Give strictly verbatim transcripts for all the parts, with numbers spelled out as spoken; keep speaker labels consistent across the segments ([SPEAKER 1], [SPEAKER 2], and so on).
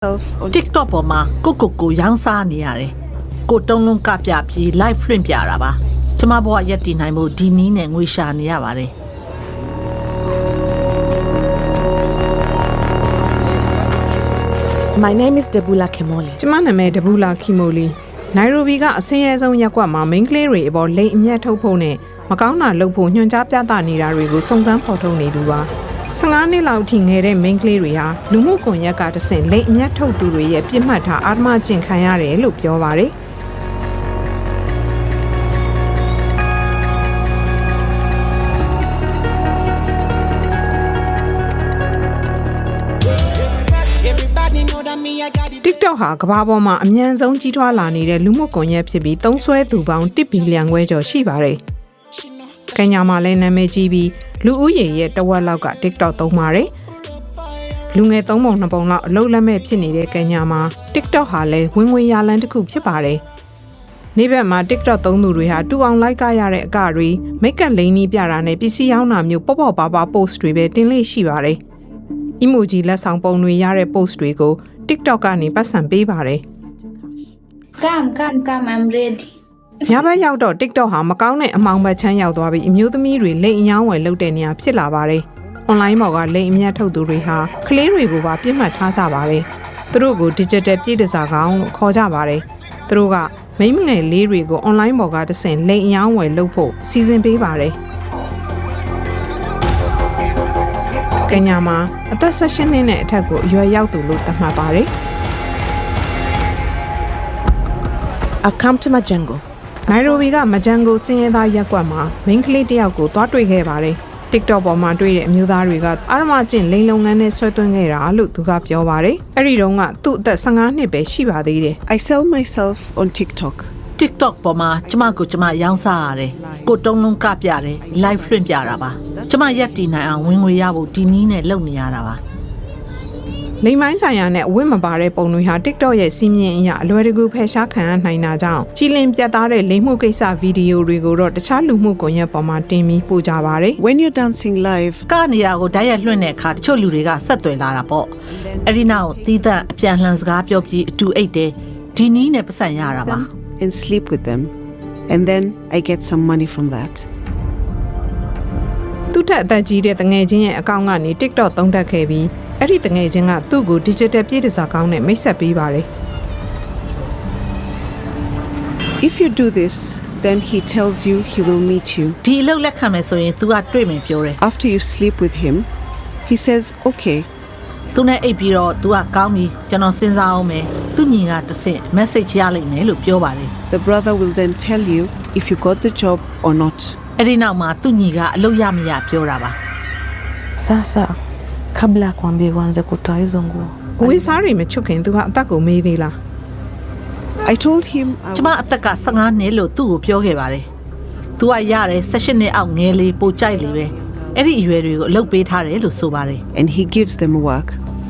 [SPEAKER 1] TikTok ပေါ်မှာကိုကိုကိုရောင်းစားနေရတယ်ကိုတုံးလုံးကပြပြီး live လွှင့်ပြတာပါကျမဘဝရက်တည်နိုင်မှုဒီနည်းနဲ့ငွေရှာနေရပါတယ်
[SPEAKER 2] My name is Debula Kimoli
[SPEAKER 3] ကျမနာမည် Debula Kimoli နိုင်ရိုဘီကအစင်းရဲဆုံးရက်ကွက်မှာ main ကလေးတွေအပေါ်လိမ်အမြတ်ထုတ်ဖို့နဲ့မကောင်းတာလုပ်ဖို့ညွှန်ကြားပြသနေတာတွေကိုစုံစမ်းဖော်ထုတ်နေသူပါဆယ်ငါးနှစ်လောက်ထိငယ်တဲ့ main ကလေးတွေဟာလူမှုကွန်ရက်ကတဆင့်လိမ်အမြတ်ထုတ်သူတွေရဲ့ပြစ်မှတ်ထားအာဓမ္မကျင့်ခံရတယ်လို့ပြောပါတယ် TikTok ဟာကမ္ဘာပေါ်မှာအမြန်ဆုံးကြီးထွားလာနေတဲ့လူမှုကွန်ရက်ဖြစ်ပြီးသုံးစွဲသူပေါင်းတစ်ဘီလီယံခွဲကျော်ရှိပါတယ်။ကင်ညာမှာလည်းနာမည်ကြီးပြီးလူဦးရေရဲ့တဝက်လောက်က TikTok သုံးပါတယ်။လူငယ်သုံးပုံနှစ်ပုံလောက်အလုပ်လက်မဲ့ဖြစ်နေတဲ့ကင်ညာမှာ TikTok ဟာလည်းဝင်ငွေရလမ်းတစ်ခုဖြစ်ပါတယ်။နေ့ဘက်မှာ TikTok သုံးသူတွေဟာတူအောင်လိုက်ကားရတဲ့အကတွေမိတ်ကပ်လိန်နီးပြတာနဲ့ပစ္စည်းရောင်းတာမျိုးပေါ့ပေါ့ပါပါ post တွေပဲတင်လေးရှိပါတယ်။ emoji လက်ဆောင်ပုံတွေရတဲ့ post တွေကို TikTok ကနေပတ်စံပေးပါတယ်
[SPEAKER 4] Come come come I'm ready
[SPEAKER 3] ညဘက်ရောက်တော့ TikTok ဟာမကောင်းတဲ့အမှောင်ဘက်ချမ်းရောက်သွားပြီးအမျိုးသမီးတွေလိမ်အယောင်းဝယ်လုပ်တဲ့နေရာဖြစ်လာပါတယ်။ online ပေါ်ကလိမ်အမြတ်ထုတ်သူတွေဟာကလေးတွေကိုပါပြစ်မှတ်ထားကြပါတယ်။သူတို့ကို digital ပြည်တစားကောင်လို့ခေါ်ကြပါတယ်။သူတို့ကမိန်းမငယ်လေးတွေကို online ပေါ်ကတဆင့်လိမ်အယောင်းဝယ်လုပ်ဖို့စီစဉ်ပေးပါတယ်။ကင်ညာမှာအသက်၁၈နှစ်နဲ့အထက်ကိုအရွယ်ရောက်သူလို့သတ်မှတ်ပါတယ်
[SPEAKER 2] I've come to Majengo
[SPEAKER 3] နိုင်ရိုဘီကမဂျန်ကိုစင်းရဲသားရက်ကွက်မှာမိန်းကလေးတစ်ယောက်ကိုတွားတွေ့ခဲ့ပါတယ် TikTok ပေါ်မှာတွေ့တဲ့အမျိုးသားတွေကအာရမကျင့်လိန်လုပ်ငန်းနဲ့ဆွဲသွင်းခဲ့တာလို့သူကပြောပါတယ်အဲ့ဒီတော့ကသူ့အသက်ဆယ်ငါးနှစ်ပဲရှိပါသေးတယ်
[SPEAKER 2] I sell myself on TikTok
[SPEAKER 1] TikTok ပေါ်မှာကျမကိုကျမရောင်းစားရတယ်ကိုတုံးလုံးကပြတယ် live လွှင့်ပြတာပါကျမရက်တည်နိုင်အောင်ဝင်ငွေရဖို့ဒီနည်းနဲ့လုပ်နေရတာပါ
[SPEAKER 3] လိမ်မိုင်းဆိုင်ရာနဲ့အဝတ်မပါတဲ့ပုံတွေဟာ TikTok ရဲ့စီးမြင်အရာအလွယ်တကူဖယ်ရှားခံရနိုင်တာကြောင့်ကြီးလင်းပြတ်သားတဲ့လိမ်မှုကိစ္စဗီဒီယိုတွေကိုတော့တခြားလူမှုကွန်ရက်ပေါ်မှာတင်ပြီးပို့ကြပါတယ်
[SPEAKER 2] When you're dancing live
[SPEAKER 1] ကနေတာကိုဓာတ်ရိုက်လွှင့်တဲ့အခါတချို့လူတွေကဆက်သွယ်လာတာပေါ့အဲ့ဒီနောက်သီးသန့်အပြန်လှန်စကားပြောပြီးအတူအိတ်တယ်ဒီနည်းနဲ့ပတ်စံရတာပါ
[SPEAKER 2] and sleep with them and then I get some money from that
[SPEAKER 3] သူ့ထက်အသက်ကြီးတဲ့တငယ်ချင်းရဲ့အကောင့်ကနေ TikTok သုံးတက်ခဲ့ပြီးအဲ့ဒီတငယ်ချင်းကသူ့ကို digital ပြည်တစားကောင်းနဲ့မိတ်ဆက်ပေးပါတယ်
[SPEAKER 2] If you do this then he tells you he will meet you
[SPEAKER 1] ဒီအလုပ်လက်ခံမယ်ဆိုရင် तू ကတွေ့မယ်ပြောတယ်
[SPEAKER 2] after you sleep with him he says okay
[SPEAKER 1] သူနဲ့အိပ်ပြီးတော့ तू ကကောင်းပြီကျွန်တော်စဉ်းစားအောင်မယ်သူညီကတစ်ဆင့် message ရလိမ့်မယ်လို့ပြောပါတယ်
[SPEAKER 2] the brother will then tell you if you got the job or not
[SPEAKER 1] အဲ့ဒီနောက်မှာသူညီကအလုပ်ရမရပြောတာပါ
[SPEAKER 5] Sasa kabla kuambia uanze kutoa hizo nguo
[SPEAKER 3] အဝေးစားတွေမချွတ်ခင်သူကအသက်ကိုမေးသေးလား
[SPEAKER 2] I told him I
[SPEAKER 1] ကျမအသက်ကဆယ်ငါးနှစ်လို့သူ့ကိုပြောခဲ့ပါတယ် तू ကရတယ်၁၈နှစ်အောက်ငယ်လေးပိုကြိုက်လေပဲအဲ့ဒီအရွယ်တွေကိုအလုပ်ပေးထားတယ်လို့ဆိုပါတယ်
[SPEAKER 2] and he gives them work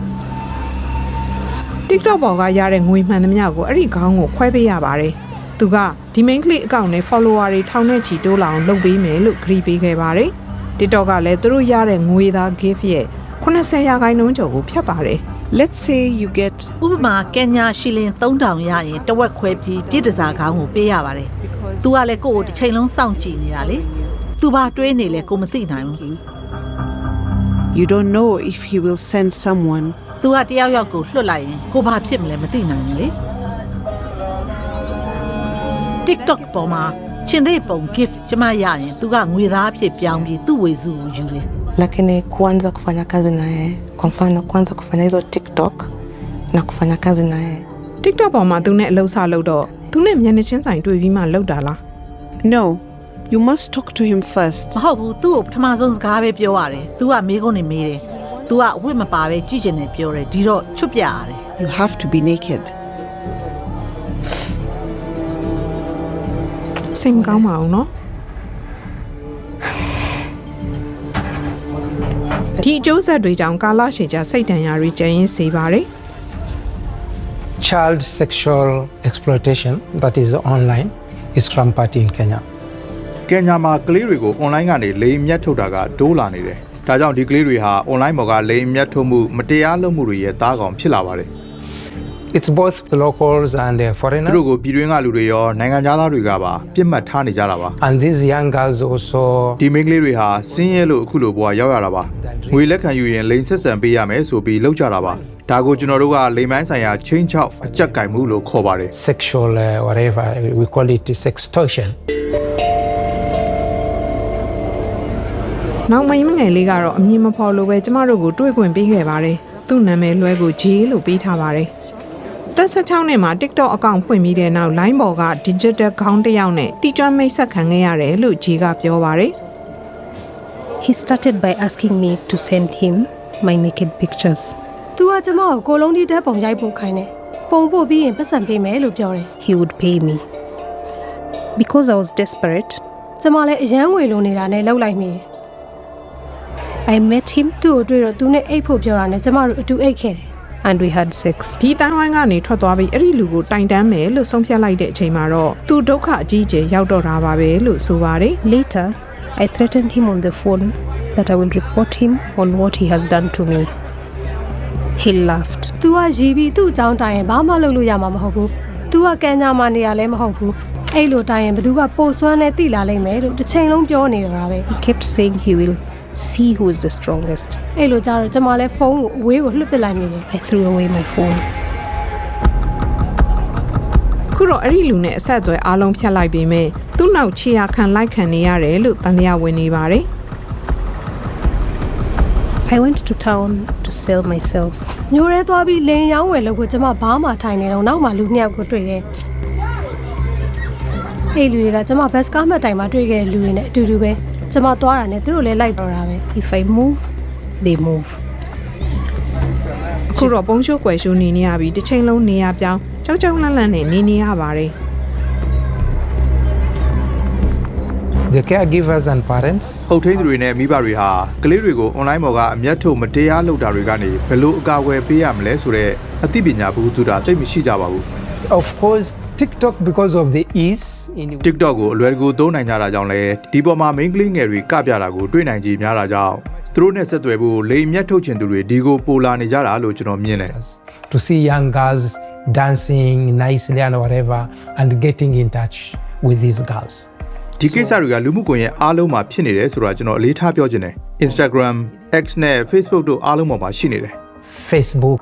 [SPEAKER 3] TikTok ပေါ်ကရတဲ့ငွေမှန်သမျှကိုအဲ့ဒီခေါင်းကိုခွဲပေးရပါတယ်သူကဒီ main ကလေးအကောင့်နဲ့ follower တွေထောင်နဲ့ချီတိုးလာအောင်လုပ်ပေးမယ်လို့ဂရီပေးခဲ့ပါတယ် TikTok ကလည်းသူတို့ရတဲ့ငွေသား gift ရဲ့eighty percentရာခိုင်နှုန်းကျော်ကိုဖြတ်ပါတယ်
[SPEAKER 2] let's say you get
[SPEAKER 1] ဥပမာကင်ညာရှီလင်သုံးထောင်ရရင်တဝက်ခွဲပြီးပြည်တစားကောင်းကိုပေးရပါတယ် तू ကလည်းကိုယ့်ကိုတစ်ချိန်လုံးစောင့်ကြည့်နေတာလေ तू ဘာတွေးနေလဲကိုမသိနိုင်ဘူး
[SPEAKER 2] you don't know if he will send someone
[SPEAKER 1] तू ကတယောက်ယောက်ကိုလွှတ်လိုက်ရင်ကိုဘာဖြစ်မလဲမသိနိုင်ဘူးလေ TikTok ပေါ်မှာချင်းသေးပုံ gift ကျမရရင် तू ကငွေသားအဖြစ်ပြောင်းပြီးသူ့ဝေစုကိုယူတယ်
[SPEAKER 5] lakini kuanza kufanya kazi na yeye kwa mfano kuanza kufanya hizo TikTok na kufanya kazi na yeye
[SPEAKER 3] TikTok ပေါ်မှာသူနဲ့အလုပ်စလုပ်တော့သူနဲ့မျက်နှာချင်းဆိုင်တွေ့ပြီးမှလုပ်တာလား
[SPEAKER 2] no you must talk to him first
[SPEAKER 1] မဟုတ်ဘူးသူ့ကိုပထမဆုံးစကားပဲပြောရတယ် तू ကမေးခွန်းနေမေးတယ် तू ကအဝတ်မပါပဲကြည့်ကျင်တယ်ပြောတယ်ဒီတော့ချွတ်ပြရတယ်
[SPEAKER 2] you have to be naked
[SPEAKER 3] စိတ်မကောင်းပါဘူးနော်ဒီအကျိုးဆက်တွေကြောင့်ကာလရှည်ကြာစိတ်ဒဏ်ရာတွေကျရင်စေပါတယ်
[SPEAKER 6] Child sexual exploitation that is online is rampant in Kenya.
[SPEAKER 7] ကင်ညာမှာကလေးတွေကို online ကနေလိမ်အမြတ်ထုတ်တာကတိုးလာနေတယ်။ဒါကြောင့်ဒီကလေးတွေဟာ online ပေါ်ကလိမ်အမြတ်ထုတ်မှုမတရားလုပ်မှုတွေရဲ့သားကောင်ဖြစ်လာပါတယ်။
[SPEAKER 6] It's both the locals and the
[SPEAKER 7] သူ
[SPEAKER 6] foreigners.
[SPEAKER 7] တို့ကိုပြည်တွင်းကလူတွေရောနိုင်ငံခြားသားတွေကပါပြစ်မှတ်ထားနေကြတာပါ
[SPEAKER 6] And these young girls also
[SPEAKER 7] ဒီမိန်းကလေးတွေဟာစင်းရဲလို့အခုလိုဘဝရောက်ရတာပါငွေလက်ခံယူရင်လိန်ဆက်ဆံပေးရမယ်ဆိုပြီးလောက်ကြတာပါဒါကိုကျွန်တော်တို့ကလိန်မိုင်းဆိုင်ရာချင်းချောက်အကြက်ကင်မှုလို့ခေါ်ပါတယ်
[SPEAKER 6] sexual uh, whatever we call it sextortion.
[SPEAKER 3] နောက်မိန်းမငယ်လေးကတော့အမည်မဖော်လို့ပဲကျမတို့ကိုတွေ့ခွင့်ပေးခဲ့ပါတယ်သူ့နာမည်လွဲကို J လို့ပေးထားပါတယ်သက်၁၆နှစ်မှာ TikTok အကောင့်ဖွင့်ပြီးတဲ့နောက် line ပေါ်က digital ခေါင်းတစ်ယောက်နဲ့တီကျွမ်းမိတ်ဆက်ခံခဲ့ရတယ်လို့ J ကပြောပါတယ်
[SPEAKER 8] He started by asking me to send him my naked pictures.
[SPEAKER 9] तू ကကျမကိုကိုလုံးဒီတက်ပုံရိုက်ပို့ခိုင်းတယ်ပုံပို့ပြီးရင်ပတ်စံပေးမယ်လို့ပြောတယ်
[SPEAKER 8] He would pay me. Because I was desperate,
[SPEAKER 9] ကျမလည်းအရန်ငွေလိုနေတာနဲ့လှုပ်လိုက်မိ
[SPEAKER 8] I met him
[SPEAKER 9] သူ့ကိုတွေ့တော့သူနဲ့အိတ်ဖို့ပြောတာနဲ့ကျမတို့အတူအိတ်ခဲ့တယ်
[SPEAKER 8] and we had sex.
[SPEAKER 3] ဒီတန်းဝိုင်းကနေထွက်သွားပြီးအဲ့ဒီလူကိုတိုင်တန်းမယ်လို့ဆုံးဖြတ်လိုက်တဲ့အချိန်မှာတော့သူဒုက္ခအကြီးအကျယ်ရောက်တော့တာပါပဲလို့ဆိုပါတယ်
[SPEAKER 8] Later, I threatened him on the phone that I will report him on what he has done to me. He laughed.
[SPEAKER 9] तू ကရီးပြီးသူ့အကြောင်းတိုင်ရင်ဘာမှလုပ်လို့ရမှာမဟုတ်ဘူး तू ကကန်ညာမာနေရလဲမဟုတ်ဘူးအဲ့လိုတိုင်ရင်ဘသူကပို့စွမ်းနဲ့တိလာလိမ့်မယ်လို့တစ်ချိန်လုံးပြောနေတာပဲ
[SPEAKER 8] He kept saying he will see who is the strongest.
[SPEAKER 9] အဲ့လိုကြတော့ကျမလည်းဖုန်းကိုအဝေးကိုလှုပ်ပစ်လိုက်မိတယ်
[SPEAKER 8] I threw away my phone.
[SPEAKER 3] ခုတော့အဲ့ဒီလူနဲ့အဆက်အသွယ်အားလုံးဖြတ်လိုက်ပြီးမြဲသူ့နောက်ခြေရာခံလိုက်ခံနေရတယ်လို့တန်တရားဝင်နေပါတယ်
[SPEAKER 8] I went to town to sell myself.
[SPEAKER 9] မျိုးရဲသွားပြီးလင်ရောင်းဝယ်လို့ကိုကျမဘာမှထိုင်နေတော့နောက်မှလူနှစ်ယောက်ကိုတွေ့တယ်အဲ့လူတွေကကျမဘတ်စကားမှတ်တိုင်မှာတွေ့ခဲ့တဲ့လူတွေနဲ့အတူတူပဲကျမသွားတာနဲ့သူတို့လည်းလိုက်တော့တာပဲ
[SPEAKER 8] If I move, they move.
[SPEAKER 3] အခုတော့ပုံရှိုးကွယ်ရှိုးနေနေရပြီးတစ်ချိန်လုံးနေရပြောင်းကြောက်ကြောက်လန့်လန့်နဲ့နေနေရပါတယ်
[SPEAKER 6] The caregivers and parents
[SPEAKER 7] ဟုတ်ထိန်းသူတွေနဲ့မိဘတွေဟာကလေးတွေကို online ပေါ်ကအမျက်ထုတ်မတရားလုပ်တာတွေကနေဘယ်လိုအကာအကွယ်ပေးရမလဲဆိုတော့အသိပညာဘူးသူတာသိမရှိကြပါဘူး
[SPEAKER 6] of course TikTok because of the ease in
[SPEAKER 7] TikTok ကိုအလွယ်တကူသုံးနိုင်ကြတာကြောင့်လဲဒီပေါ်မှာ main ကလေးငယ်တွေကပြတာကိုတွေ့နိုင်ကြများတာကြောင့်သူတို့နဲ့ဆက်သွယ်ဖို့လိမ်အမျက်ထုတ်ချင်သူတွေဒီကိုပိုလာနေကြတာလို့ကျွန်တော်မြင်တယ်
[SPEAKER 6] to see young girls dancing nicely and whatever and getting in touch with these girls.
[SPEAKER 7] ဒီကိစ္စတွေကလူမှုကွန်ရက်အားလုံးမှာဖြစ်နေတယ်ဆိုတာကျွန်တော်အလေးထားပြောချင်တယ် Instagram, X နဲ့ Facebook တို့အားလုံးပေါ်မှာရှိနေတယ်
[SPEAKER 6] Facebook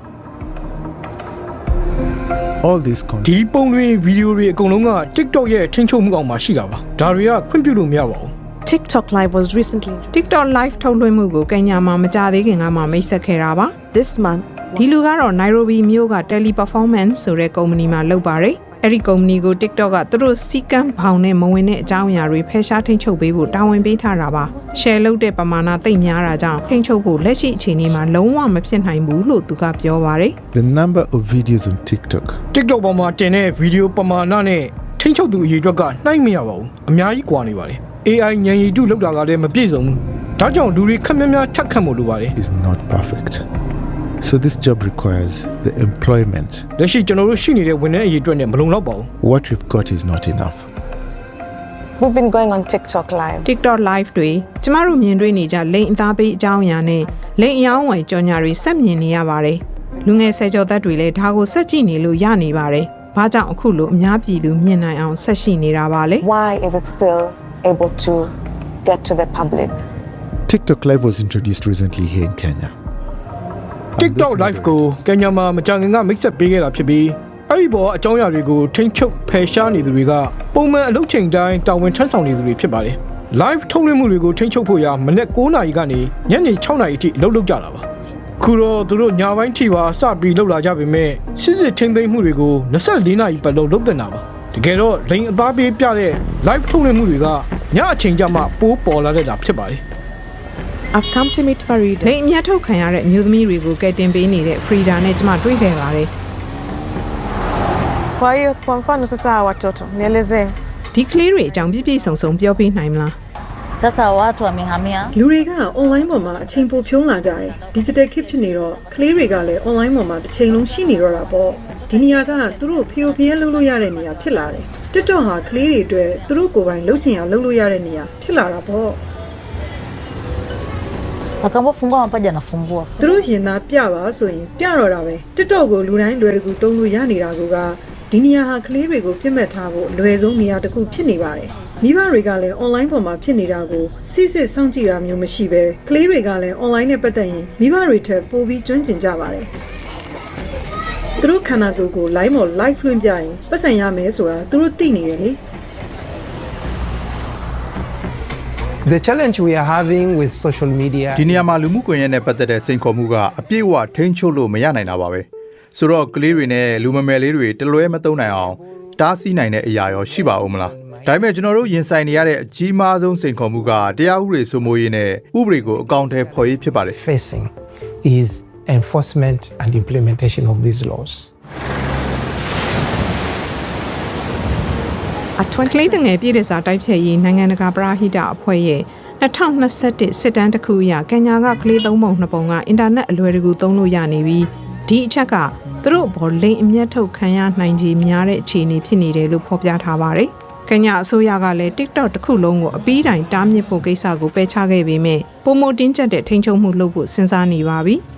[SPEAKER 10] all these content
[SPEAKER 11] ဒီပုံတွေဗီဒီယိုတွေအကုန်လုံးက TikTok ရဲ့ထိန်းချုပ်မှုအောက်မှာရှိတာပါဒါတွေကခွင့်ပြုလို့မရပါဘူး
[SPEAKER 2] TikTok Live was recently
[SPEAKER 3] TikTok Live ထုတ်လွှင့်မှုကိုကညာမှာမကြသေးခင်ကမှမိတ်ဆက်ခဲ့တာပါ
[SPEAKER 2] this month.
[SPEAKER 3] ဒီလူကတော့ Nairobi မြို့က Teleperformance ဆိုတဲ့ကုမ္ပဏီမှာလုပ်ပါတယ်အဲ့ဒီကုမ္ပဏီကို TikTok ကသူတို့စီကံဘောင်နဲ့မဝင်တဲ့အကြောင်းအရာတွေဖယ်ရှားထိန်းချုပ်ပေးဖို့တာဝန်ပေးထားတာပါ share လုပ်တဲ့ပမာဏသိပ်များတာကြောင့်ထိန်းချုပ်ဖို့လက်ရှိအခြေအနေမှာလုံးဝမဖြစ်နိုင်ဘူးလို့သူကပြောပါတယ်
[SPEAKER 10] the number of videos on TikTok
[SPEAKER 11] TikTok ပေါ်မှာတင်တဲ့ဗီဒီယိုပမာဏနဲ့ထိန်းချုပ်သူအရေးအတွက်ကနှိုင်းမရပါဘူးအများကြီးကွာနေပါတယ် A I ဉာဏ်ရည်တုလောက်တာကလည်းမပြည့်စုံဘူးဒါကြောင့်လူတွေခက်များများထက်ခတ်မှုလိုပါတယ်
[SPEAKER 10] is not perfect so this job requires the employment
[SPEAKER 11] လက်ရှိကျွန်တော်တို့ရှိနေတဲ့ဝန်ထမ်းအရေးအတွက်နဲ့မလုံလောက်ပါဘူး
[SPEAKER 10] what we've got is not enough
[SPEAKER 5] We've been going on TikTok Live.
[SPEAKER 3] TikTok Live တွေကျမတို့မြင်တွေ့နေကြလိန်အသားပေးအကြောင်းအရာနဲ့လိန်အယောင်းဝယ်ကြော်ညာတွေဆက်မြင်နေရပါတယ်လူငယ်ဆယ်ကျော်သက်တွေလည်းဒါကိုဆက်ကြည့်နေလို့ရနေပါတယ်ဘာကြောင့်အခုလိုအများပြည်သူမြင်နိုင်အောင်ဆက်ရှိနေတာပါလဲ
[SPEAKER 5] Why is it still able to get to the public?
[SPEAKER 10] TikTok Live was introduced recently here in Kenya
[SPEAKER 11] TikTok Live ကိုကင်ညာမှာမကြာခင်ကမိတ်ဆက်ပေးခဲ့တာဖြစ်ပြီးအဲ့ဒီပေါ်အကြောင်းအရာတွေကိုထိန်းချုပ်ဖယ်ရှားနေသူတွေကပုံမှန်အလုပ်ချိန်တိုင်းတာဝန်ထမ်းဆောင်နေသူတွေဖြစ်ပါတယ် Live ထုတ်လွှင့်မှုတွေကိုထိန်းချုပ်ဖို့ရမနေ့၉နာရီကနေညနေ၆နာရီအထိအလုပ်လုပ်ကြတာပါခုတော့သူတို့ညပိုင်းထိပါစပြီးလုပ်လာကြပေမဲ့စစ်စစ်ထိန်းသိမ်းမှုတွေကို၂၄နာရီပတ်လုံးလုပ်တင်တာပါတကယ်တော့လိန်အသားပေးပြတဲ့ Live ထုတ်လွှင့်မှုတွေကညအချိန်ကျမှပိုးပေါ်လာတတ်တာဖြစ်ပါတယ်
[SPEAKER 3] I've come to meet Farida လိန်အမြတ်ထုတ်ခံရတဲ့အမျိုးသမီးတွေကိုကယ်တင်ပေးနေတဲ့ Frida နဲ့ကျမတွေ့ခဲ့ပါတယ်
[SPEAKER 5] Kwa hiyo kwa mfano sasa watoto nieleze
[SPEAKER 3] ဒီကလေးတွေအကြောင်းပြည့်ပြည့်စုံစုံပြောပြနိုင်မလား
[SPEAKER 12] Sasa watu wamehamia
[SPEAKER 13] လူတွေက online ပေါ်မှာအချိန်ပိုဖြုံးလာကြတယ် digital kid ဖြစ်နေတော့ကလေးတွေကလည်း online ပေါ်မှာတစ်ချိန်လုံးရှိနေတော့တာပေါ့ဒီနေရာကသူတို့ဖျို့ဖျဲလုပ်လို့ရတဲ့နေရာဖြစ်လာတယ် TikTok ဟာကလေးတွေအတွက်သူတို့ကိုယ်ပိုင်လုပ်ချင်အောင်လုပ်လို့ရတဲ့နေရာဖြစ်လာတာပေါ့
[SPEAKER 12] Akaambiwa fungua mapaja anafungua.
[SPEAKER 13] သူတို့ရင်သားပြပါဆိုရင်ပြတော့တာပဲ TikTok ကိုလူတိုင်းလွယ်တကူသုံးလို့ရနေတာကဒီနေရာဟာကလေးတွေကိုပြစ်မှတ်ထားဖို့အလွယ်ဆုံးနေရာတစ်ခုဖြစ်နေပါတယ်မိဘတွေကလည်း online ပေါ်မှာဖြစ်နေတာကိုစစ်စစ်စောင့်ကြည့်တာမျိုးမရှိပဲကလေးတွေကလည်း online နဲ့ပတ်သက်ရင်မိဘတွေထက်ပိုပြီးကျွမ်းကျင်ကြပါတယ်သူတို့ခန္ဓာကိုယ်ကို live မှာ live လွှင့်ပြရင်ပတ်စံရမယ်ဆိုတာသူတို့သိနေတယ်လေ
[SPEAKER 6] The challenge we are having with social media
[SPEAKER 7] ဒီနေရာမှာလူမှုကွန်ရက်နဲ့ပတ်သက်တဲ့စိန်ခေါ်မှုကအပြည့်အဝထိန်းချုပ်လို့မရနိုင်တာပါပဲဆိုတော့ကလေးတွေနဲ့လူမမယ်လေးတွေတလွဲမသုံးနိုင်အောင်တားဆီးနိုင်တဲ့အရာရောရှိပါဦးမလားဒါပေမဲ့ကျွန်တော်တို့ရင်ဆိုင်နေရတဲ့အကြီးမားဆုံးစိန်ခေါ်မှုကတရားဥပဒေစိုးမိုးရေးနဲ့ဥပဒေကိုအကောင့်ထဲဖော်ရေးဖြစ်ပါတယ်
[SPEAKER 6] facing is enforcement and implementation of these laws.
[SPEAKER 3] အထွန်းကလေးတငယ်ပြည်တဲ့စာတိုက်ဖြတ်ရေးနိုင်ငံတကာပရာဟိတအဖွဲ့ရဲ့၂၀၂၁စစ်တမ်းတစ်ခုအရကညာကကလေးသုံးပုံနှစ်ပုံကအင်တာနက်အလွယ်တကူသုံးလို့ရနေပြီးဒီအချက်ကသူတို့ဘောလိန်အမျက်ထုတ်ခံရနိုင်ခြေများတဲ့အခြေအနေဖြစ်နေတယ်လို့ဖော်ပြထားပါတယ်။ကညာအစိုးရကလည်း TikTok တစ်ခုလုံးကိုအပီးတိုင်တားမြစ်ဖို့ကိစ္စကိုပယ်ချခဲ့ပေမဲ့ပုံမတင်းကျပ်တဲ့ထိန်းချုပ်မှုလုပ်ဖို့စဉ်းစားနေပါပြီ။